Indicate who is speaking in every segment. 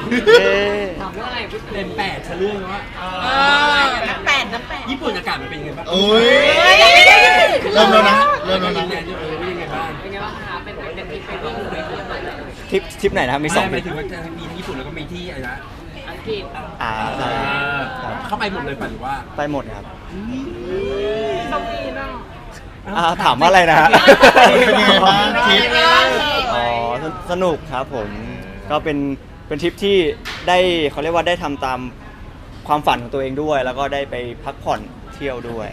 Speaker 1: ถามเรื่องอะไรพี่
Speaker 2: เต็ม8เฉลื่อยว่า
Speaker 3: น้ำแปดน้ำแปด
Speaker 2: ญี่ปุ่นอากาศมันเป็นยังไงบ้าง
Speaker 4: โอ้ยเริ่มแล้วนะเริ่มแล้ว
Speaker 2: ยิ
Speaker 4: นะ
Speaker 2: นแดนด้วยเป็นยังไงบ้าง
Speaker 1: เป็นไงบ้างคะเป็นทริปไปวิ่งไปเที่ยวอะไรเลย
Speaker 5: ทริปไหนนะครับมีสอง
Speaker 2: ห
Speaker 5: ท
Speaker 2: มา
Speaker 5: ริ
Speaker 2: ย
Speaker 5: ป
Speaker 2: ถึงว่าจะมีที่ญี่ปุ่นแล้วก็มีที่อะไรนะ
Speaker 1: อังกฤษ
Speaker 5: ใช่ครับ
Speaker 2: เข้าไปหมดเลยป่ะหรือว่า
Speaker 5: ไปหมดครับ
Speaker 1: ต้องมีเนาะ
Speaker 5: ถามว่าอะไรนะฮะ
Speaker 4: เป็นยังไงบ้างทริป
Speaker 5: อ๋อสนุกครับผมก็เป็นทริปที่ได้เขาเรียกว่าได้ทำตามความฝันของตัวเองด้วย แล้วก็ได้ไปพักผ่อนเที่ยวด้วย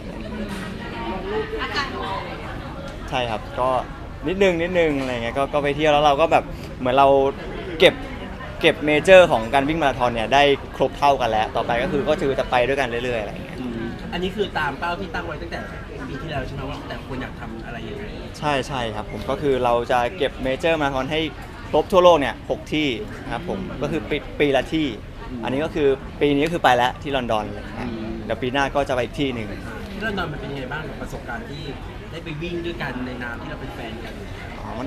Speaker 5: ใช่ครับก็นิดนึงอะไรเงี้ยก็ไปเที่ยวแล้วเราก็แบบเหมือนเราเก็บเมเจอร์ของการวิ่งมาราธอนเนี่ยได้ครบเท่ากันแล้วต่อไปก็คือจะไปด้วยกันเรื่อยๆอะไรเงี้ย
Speaker 2: อันนี้คือตามเป้าที่ตั้งไว้ตั้งแต่ปีที่แล้วใช่ไหมว่าแต่คนอยากทำอะไรยังไง
Speaker 5: ใช่ครับผมก็คือเราจะเก็บเมเจอร์มาราธอนให้ครบทั่วโลกเนี่ย6ที่นะครับผมก็คือปีละที่ อันนี้ก็คือปีนี้ก็คือไปแล้วที่ลอนดอนเลยนะเดี๋ยวปีหน้าก็จะไปอีกที่หนึ่ง
Speaker 2: ที่ลอนดอนมันเป็นยังไงบ้างกับประสบการณ์ที่ได้ไปวิ่งด้วยกันในนามที่เราเป็นแฟนกัน
Speaker 5: อ๋อมัน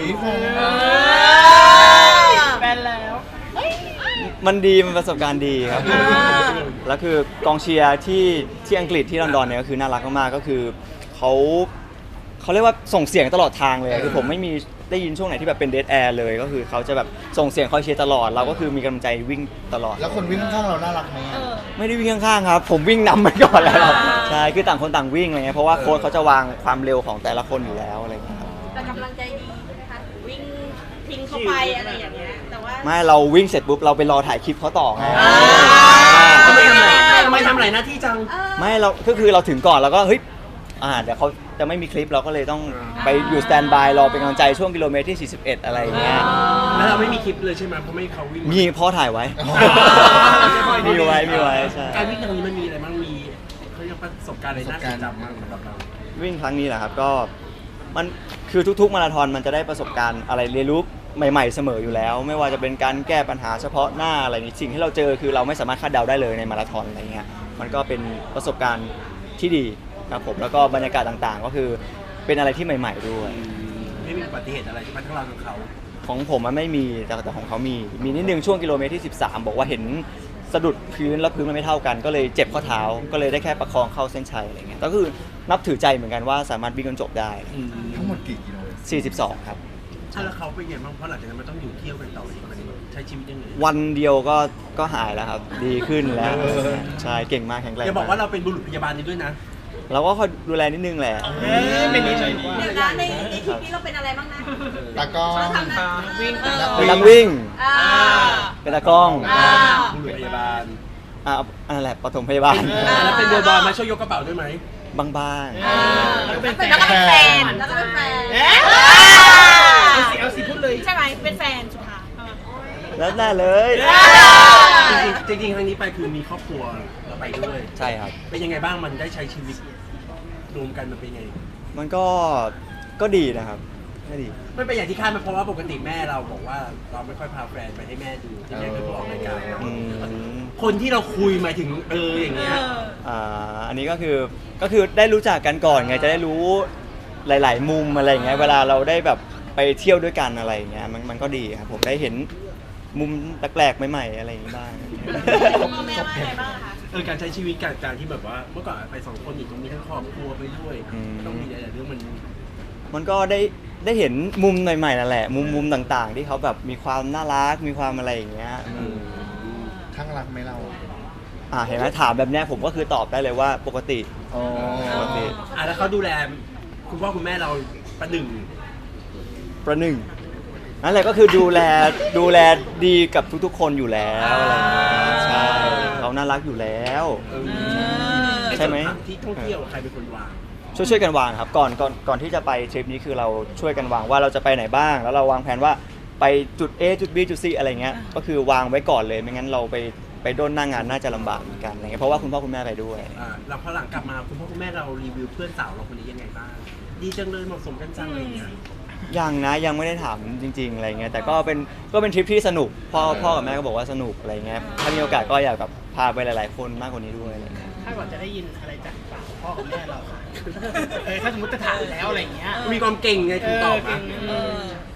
Speaker 3: แฟนแล้ว
Speaker 5: มันดีมันประสบการณ์ดีครับแล้วคือกองเชียร์ที่อังกฤษที่ลอนดอนเนี่ยก็คือน่ารักมากๆก็คือเขาเรียกว่าส่งเสียงตลอดทางเลยคือผมไม่มีได้ยินช่วงไหนที่แบบเป็นเดดแอร์เลยก็คือเขาจะแบบส่งเสียงคอยเชียร์ตลอดเราก็คือมีกำลังใจวิ่งตลอด
Speaker 4: แล้วคนวิ่งข้างๆเราน่ารักไหมอะ
Speaker 5: ไม่ได้วิ่งข้างๆครับผมวิ่งนำไปก่อนแล้วใช่คือต่างคนต่างวิ่งอะไรเงี้ยเพราะว่าโค้ชเขาจะวางความเร็วของแต่ละคนอยู่แล้วอะไรเงี้ยครับ
Speaker 3: แต่กำลังใจดีนะคะวิ่งทิ้งเข้าไปอะไรอย่างเงี้ยแต่ว่า
Speaker 5: ไม่เราวิ่งเสร็จปุ๊บเราไปรอถ่ายคลิปเขาต่อไง
Speaker 2: ทำไมทำหลายหน้าที่จัง
Speaker 5: ไม่เราก็คือเราถึงก่อนแล้วก็เฮ้ยเดี๋ยวเขาจะไม่มีคลิปเราก็เลยต้องไปอยู่สแตนบายรอเป็นกำลังใจช่วงกิโลเมตรที่ 41 อะไรอย่างเงี้ย
Speaker 2: แล้วเราไม่มีคลิปเลยใช่ไหมเพราะไม่เขาวิ่ง
Speaker 5: มีพ่อถ่ายไว้ มีไว้ใช่
Speaker 2: การวิ่งครั้งนี้มันมีอะไรบ้างมีเขาเรียกประสบการณ์อะไรน่าจดจำบ้างสำหรับเรา
Speaker 5: วิ่งครั้งนี้แหละครับก็มันคือทุกๆมาราธอนมันจะได้ประสบการณ์อะไรเรียนรู้ใหม่ๆเสมออยู่แล้ว ไม่ว่าจะเป็นการแก้ปัญหาเฉพาะหน้าอะไรนี้สิ่งที่เราเจอคือเราไม่สามารถคาดเดาได้เลยในมาราธอนอะไรเงี้ยมันก็เป็นประสบการณ์ที่ดีครับผมแล้วก็บรรยากาศต่างๆ ก็คือเป็นอะไรที่ใหม่ๆด้วย
Speaker 2: ไม่มีอุบัติเหตุอะไรใช่ไหมทั้งเราทั้งเขา
Speaker 5: ของผมมันไม่มีแต่ของเขามีนิดนึงช่วงกิโลเมตรที่ 13 บอกว่าเห็นสะดุดพื้นแล้วพื้นมันไม่เท่ากัน ก็เลยเจ็บข้อเท้าก็เลยได้แค่ประคองเข้าเส้นชัยอะไรเงี้ยก็คือนับถือใจเหมือนกันว่าสามารถวิ่งจนจบได้
Speaker 4: ทั้งหมดกี่กิโล
Speaker 5: 42 ครับ
Speaker 2: แล้วเขาเป็นไงบ้างเพราะหลังจากนั้นมันต้องอยู่เที่ยวกันต่ออีกมันใช้ชีวิตยังไง
Speaker 5: วันเดียวก็หายแล้วครับ ดีขึ้นแล้วใช่เก่งมากแข็งแรง
Speaker 2: อย่าบอกว่าเราเป็นบุรุษพยาบาลนี้ด้วยนะ
Speaker 5: เราก็คอยดูแลนิดนึงแหละ
Speaker 2: เป็นนิสัย
Speaker 3: เดี๋ยวนะในทริปนี้เราเป็นอะไรบ้างนะ
Speaker 4: ตากล้อง
Speaker 3: เราทำนะวิ่ง
Speaker 5: เป็นนักวิ่ง เป็นตากล้อง
Speaker 2: บุรุษพยาบาล
Speaker 5: อันนั้นแหละปฐมพยาบาล
Speaker 2: แล้วเป็นเรือบอลมาช่วยยกกระเป๋าด้วยไหม
Speaker 5: บ้าง
Speaker 3: แล้วก็เป็นแฟนแล้วก็เป็นแฟน
Speaker 2: เอาสิพูดเลย
Speaker 3: ใช่ไหมเป็นแฟนสุดท้าย
Speaker 5: ๆแล้วน่าเลย
Speaker 2: จริงๆครั้งนี้ไปคือมีครอบครัวเราไปด้วย
Speaker 5: ใช่ครับ
Speaker 2: เป็นยังไงบ้างมันได้ใช้ชีวิตรวมกันมันเป็นยังไง
Speaker 5: มันก็ดีนะครับก็ดี
Speaker 2: ไม่เป็นอย่างที่คาดไหมเพราะว่าปกติแม่เราบอกว่าเราไม่ค่อยพาแฟนไปให้แม่ดูที่แม่เคยบอกรายการ
Speaker 5: อืม
Speaker 2: คนที่เราคุยหมายถึงอย่างเงี้ย
Speaker 5: อันนี้ก็คือได้รู้จักกันก่อนไงจะได้รู้หลาย ๆ มุมอะไรอย่างเงี้ยเวลาเราได้แบบไปเที่ยวด้วยกันอะไรอย่างเงี้ยมันก็ดีครับผมได้เห็นมุมแปลกๆใหม่ๆอะไรอย่างงี้บ้าง
Speaker 3: พ่อแม่ว่าไงบ้างคะ
Speaker 2: การใช้ชีวิตการที่แบบว่าเมื่อก่อนไปสองคนอีกตรงนี้ทั้งครอบครัวไปด้วยต้องมีหลายๆเรื่องมัน
Speaker 5: มันก็ได้เห็นมุมใหม่ๆนั่นแหละมุมต่างๆ ที่เขาแบบมีความน่ารักมีความอะไรอย่างเงี้ย
Speaker 4: ข้างรักไหมเรา
Speaker 5: เห็นไหมถามแบบเนี้ยผมก็คือตอบได้เลยว่าปกติ
Speaker 4: อ๋อ
Speaker 5: ปกติ
Speaker 2: แล้วเขาดูแลคุณพ่อคุณแม่เราประหนึ่ง
Speaker 5: ประหนึ่งนั่นแหละก็คือดูแลดีกับทุกๆ คนอยู่แล้วอะไรอย่างเงี้ยใช่เขาน่ารักอยู่แล้ว ใช่ไหม
Speaker 2: ที่ท่องเที่ยวใครเป็นคนวาง
Speaker 5: ช่วยกันวางครับก่อนที่จะไปทริปนี้คือเราช่วยกันวางว่าเราจะไปไหนบ้าง แล้วเราวางแผนว่าไปจุด A จุด B จุด C อะไรเงี้ยก็คือวางไว้ก่อนเลยไม่งั้นเราไปโดนหน้างานน่าจะลำบากเหมือนกันอะไรเงี้ยเพราะว่าคุณพ่อคุณแม่ไปด้วย
Speaker 2: เราพอหลังกลับมาคุณพ่อคุณแม่เรารีวิวเพื่อนสาวเราคนนี้ยังไงบ้างดีจังเลยเหมาะสมกันจังอะไรอย่างเงี้ย
Speaker 5: ยังไม่ได้ถามจริงๆอะไรเงี้ยแต่ก็เป็นทริปที่สนุกพ่อกับแม่ก็บอกว่าสนุกอะไรเงี้ยถ้ามีโอกาสก็อยากแบบพาไปหลายๆคนมากกว่านี้ด้วยอะไรเงี้ย
Speaker 6: ถ้าก่อนจะได้ยินอะไรจากปากพ่อกับแม่เราค่ะ ถ้าสมมติจะถามแล้วอะไรอย่างเงี้ย
Speaker 2: มีความเก่งไงถึงตอบนะ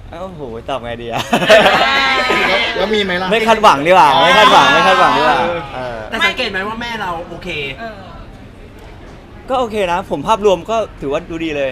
Speaker 5: โอ้โหตอบไงดีอะ
Speaker 4: แล้วมีไหมล่ะ
Speaker 5: ไม่คาดหวังดีกว่าไม่คาดหวังดีกว่า
Speaker 2: แต่สังเกตไหมว่าแม่เราโอเค
Speaker 5: ก็โอเคนะ ผมภาพรวมก็ถือว่าดูดีเลย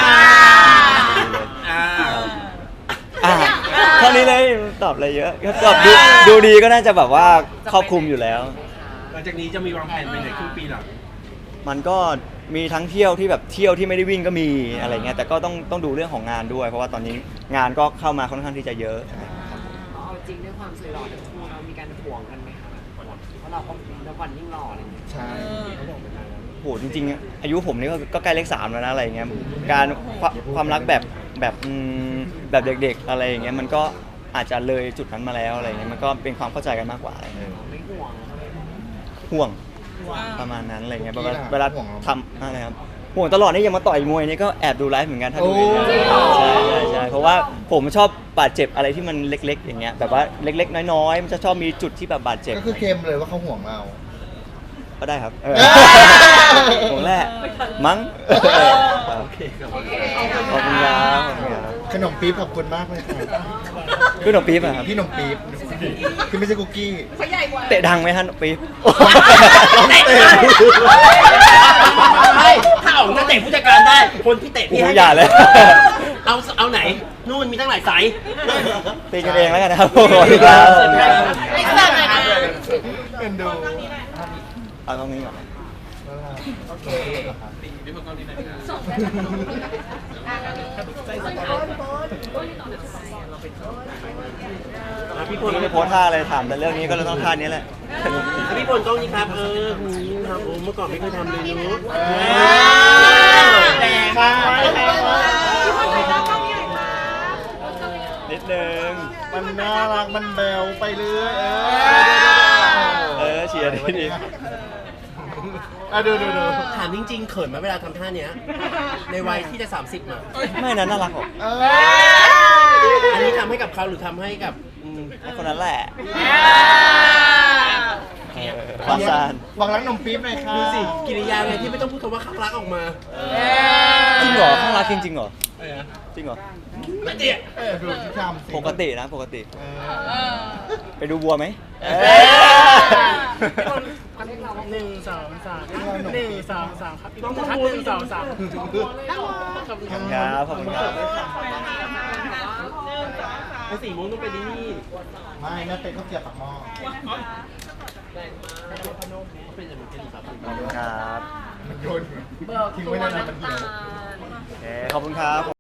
Speaker 2: อ่า
Speaker 5: อ่าเท่านี้เลยตอบอะไรเยอะก็ตอบดูดีก็น่าจะแบบว่าครอบคลุมอยู่แล้ว
Speaker 2: หลังจากนี้จะมีวางแผนไปไหนครึ่งปีหลัง
Speaker 5: มันก็มีทั้งเที่ยวที่แบบเที่ยวที่ไม่ได้วิ่งก็มีอะไรเงี้ยแต่ก็ต้องดูเรื่องของงานด้วย เพราะว่าตอนนี้งานก็เข้ามาค่อนข้างที่จะเยอะ
Speaker 1: เอาจริงด้วยความสวยหล่อทั้งคู่เรามีการห่วงกันไหมคะเพราะเราก็แล้ววันยิ่งหล่ออะไรอย่างเงี้ย
Speaker 4: ใช่
Speaker 5: โหจริงๆอายุผมนี่ก็ใกล้เลข 3แล้วนะอะไรเงี้ยการความรักแบบเด็กๆอะไรอย่างเงี้ยมันก็อาจจะเลยจุดนั้นมาแล้วอะไรเงี้ยมันก็เป็นความเข้าใจกันมากกว่าอะไรเงี้ย
Speaker 1: ไม่ห่วง
Speaker 5: ห่วงประมาณนั้นอะไรเงี้ยเวลาทำอะไรครับห่วงตลอดนี่ยังมาต่อยมวยนี่ก็แอบดูไลฟ์เหมือนกันถ้าดูใช่เพราะว่าผมชอบบาดเจ็บอะไรที่มันเล็กๆอย่างเงี้ยแบบว่าเล็กๆน้อยๆมันจะชอบมีจุดที่แบบบาดเจ็บ
Speaker 4: ก็คือเคมเลยว่าเขาห่วงเรา
Speaker 5: ก็ได้ครับห่วงแหละมั้ง
Speaker 2: โอเคครับ
Speaker 5: ขอบคุณครับ
Speaker 4: ขนมปี๊บขอบคุณมากเลยค่ะ
Speaker 5: คือหนมปี๊บอะครับ
Speaker 4: พี่ขนมปี๊บคือไม่ใช่คุกกี้
Speaker 5: เตะดังไหมฮะหนมปี๊บ
Speaker 2: ถ้าออกจะเตะผู้จัดการได้ คนที่เตะพี่
Speaker 5: โอ้
Speaker 2: ให้
Speaker 5: โหอย่าเลย
Speaker 2: เอาไหน นู่นมีตั้งหลายสาย
Speaker 5: ตีกันเองแล้วกันนะครับขอบคุณครับ
Speaker 3: ไม่ทราบเลยนะ
Speaker 4: เป็นดู
Speaker 5: เอาตรงนี้ก่อน
Speaker 4: โอเค
Speaker 2: พี่พล
Speaker 5: ไม่ได้โพสท่าอะไรถามแต่เรื่องนี้ก็เลยต้องท่านี้แหละ
Speaker 2: พี่พลกล้องนี้ครับ ครับผมเมื่อก่อนไม่เคยทำเลยเนู้
Speaker 4: แต่ค่ะ
Speaker 5: นิดนึง
Speaker 4: มันน่ารักมันแบวไปเรื่อย
Speaker 5: เชียร์ดี
Speaker 4: ดู
Speaker 2: ถามจริงๆเขินไหมเวลาทำท่าเนี้ย ในวัยที่จะ 30อ่ะ
Speaker 5: ไม่นะน่ารักหรอก
Speaker 2: อันนี้ทำให้กับเขาหรือทำให้กับ
Speaker 5: ให้คนนั้นแหละฟาซาน
Speaker 4: หวังรักนมปี๊บหน่อยค่ะ
Speaker 2: ดูสิกิริยาไงที่ไม่ต้องพูดคำว่าข้างรักออกมา
Speaker 5: จริงเหรอข้างรักจริงเหรอจริงเหรอ
Speaker 2: ไม่เจีย
Speaker 4: ดูที่ทำสิ
Speaker 5: ปกตินะปกติ ไปดูบัวไหม
Speaker 1: 1 2 3 1 2 3ครับ
Speaker 2: ต้อง
Speaker 1: ทัก
Speaker 2: พูด
Speaker 1: 1 2 3
Speaker 5: ขอบคุณครับขอบคุณครับ
Speaker 2: ไอ้สีม่วงต้องไปที่นี่
Speaker 4: ไม่แม่เป็นข้าวเกรี๊ยวปากหม้อ
Speaker 2: เป็นอย่างนี้ครับ
Speaker 5: ขอบคุณครับ
Speaker 4: มันโยนทิ้งไว้นานๆมันเหี่ยว
Speaker 5: โอเคขอบคุณครับ